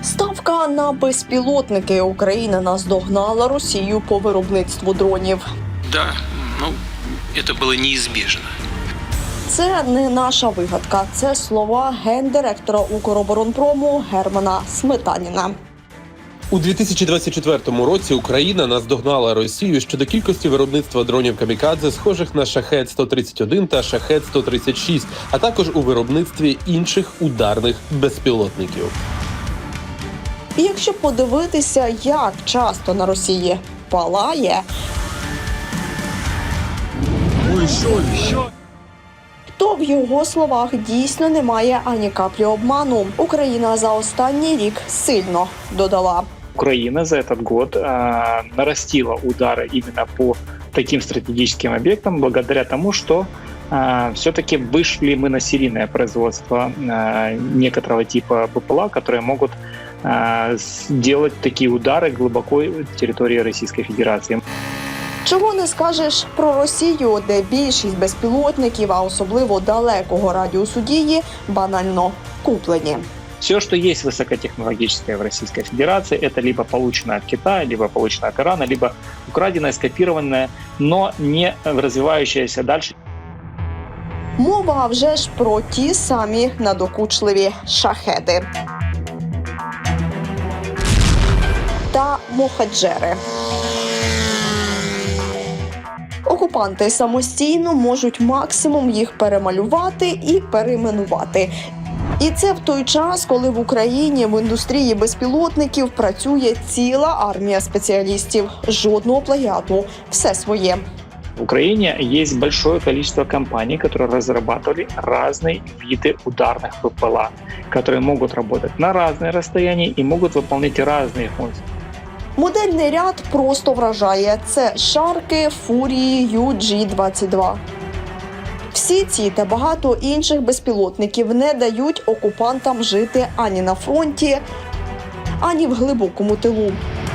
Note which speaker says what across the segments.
Speaker 1: Ставка на безпілотники. Україна наздогнала Росію по виробництву дронів.
Speaker 2: Да, это было неизбежно.
Speaker 1: Це не наша вигадка. Це слова гендиректора Укроборонпрому Германа Сметаніна.
Speaker 3: У 2024 році Україна наздогнала Росію щодо кількості виробництва дронів «Камікадзе», схожих на «Шахед-131» та «Шахед-136», а також у виробництві інших ударних безпілотників.
Speaker 1: І якщо подивитися, як часто на Росії палає, то в його словах дійсно немає ані каплі обману. Україна за останній рік сильно додала.
Speaker 4: Украина за этот год нарастила удары именно по таким стратегическим объектам благодаря тому, что все-таки вышли мы на серийное производство некоторого типа БПЛА, которые могут делать такие удары глубоко в территории Российской Федерации.
Speaker 1: Чого не скажеш про Росію, де більшість безпілотників, а особливо далекого радіусу дії, банально куплені.
Speaker 4: Все, что есть высокотехнологическое в Российской Федерации, это либо получено от Китая, либо получено от Ирана, либо украденное, скопированное, но не развивающееся дальше.
Speaker 1: Мова вже ж про ті самі надокучливі шахеди та мохаджери. Окупанти самостійно можуть максимум їх перемалювати і перейменувати. І це в той час, коли в Україні в індустрії безпілотників працює ціла армія спеціалістів. Жодного плагіату. Все своє.
Speaker 4: В Украине есть большое количество компаний, которые разрабатывали разные виды ударных ППЛА, которые могут работать на разные расстояния и могут выполнять разные функции.
Speaker 1: Модельний ряд просто вражає. Це шарки, фурії, UG-22. Всі ці та багато інших безпілотників не дають окупантам жити ані на фронті, ані в глибокому тилу.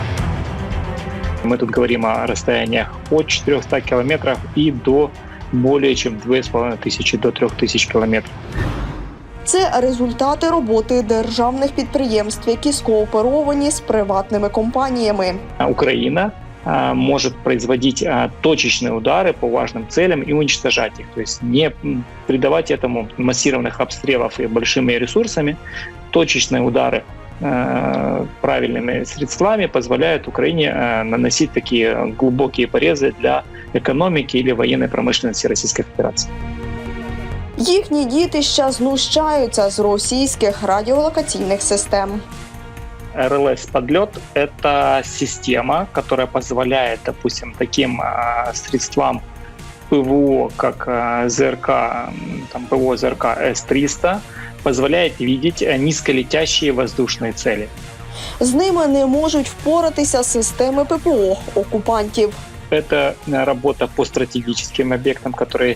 Speaker 4: Мы тут говорим о расстояниях от 400 километров и до более чем 2500 до 3000 километров.
Speaker 1: Це результати роботи державних підприємств, які скооперовані з приватними компаніями.
Speaker 4: Украина может производить точечные удары по важным целям и уничтожать их. То есть не придавать этому массированных обстрелов и большими ресурсами. Точечные удары правильными средствами позволяют Украине наносить такие глубокие порезы для экономики или военной промышленности Российской Федерации.
Speaker 1: Їхні дітища знущаються з російських радіолокаційних систем.
Speaker 4: РЛС-подлет – это система, которая позволяет, допустим, таким средствам ПВО, как ЗРК, ПВО ЗРК С-300, позволяет видеть низколетящие воздушные цели.
Speaker 1: З ними не можуть впоратися системи ППО окупантів.
Speaker 4: Это работа по стратегическим объектам, которые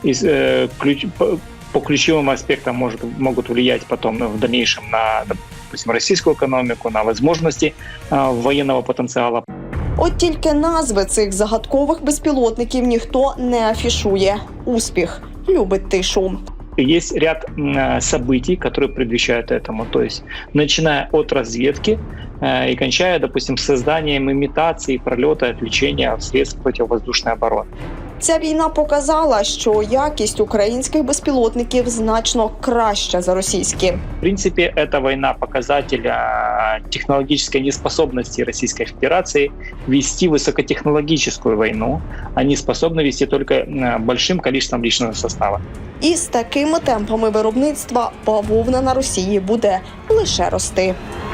Speaker 4: по ключевым аспектам могут влиять потом в дальнейшем на, допустим, российскую экономику, на возможности военного потенциала.
Speaker 1: От тільки назви цих загадкових безпілотників ніхто не афішує. Успіх любить тишу.
Speaker 4: Есть ряд событий, которые предвещают этому. То есть, начиная от разведки и кончая, допустим, созданием имитации пролета, отвлечения средств противовоздушной обороны.
Speaker 1: Ця війна показала, що якість українських безпілотників значно краща за російські.
Speaker 4: В принципе, эта война – показатель технологической неспособности Российской Федерации вести высокотехнологическую войну. Они способны вести только большим количеством личного состава.
Speaker 1: І з такими темпами виробництва бавовна на Росії буде лише рости.